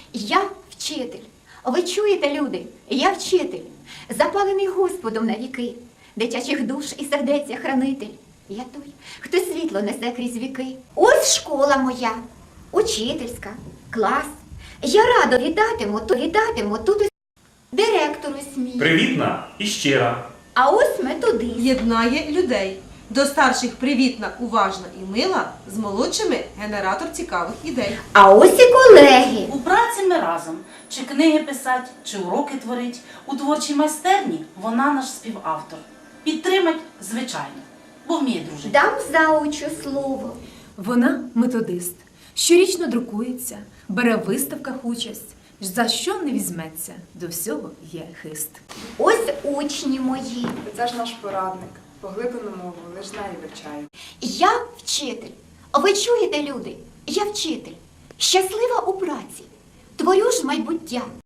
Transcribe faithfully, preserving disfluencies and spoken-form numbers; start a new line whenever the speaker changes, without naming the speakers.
Я вчитель. Ви чуєте, люди? Я вчитель, запалений Господом на віки, дитячих душ і сердеця хранитель. Я той, хто світло несе крізь віки. Ось школа моя, учительська, клас. Я радо вітатиму, то вітатиму тут директору смій.
Привітна і щира.
А ось методист.
Єднає людей. До старших привітна, уважна і мила, з молодшими генератор цікавих ідей.
А ось і колеги.
У праці ми разом, чи книги писать, чи уроки творить. У творчій майстерні вона наш співавтор. Підтримать, звичайно, бо вміє дружити.
Дам заучу слово.
Вона методист, щорічно друкується, бере в виставках участь, за що не візьметься, до всього є хист.
Ось учні мої.
Це ж наш порадник. Поглиблену мову лиш нею вивчаю.
Я вчитель. Ви чуєте, люди? Я вчитель. Щаслива у праці. Творю ж майбуття.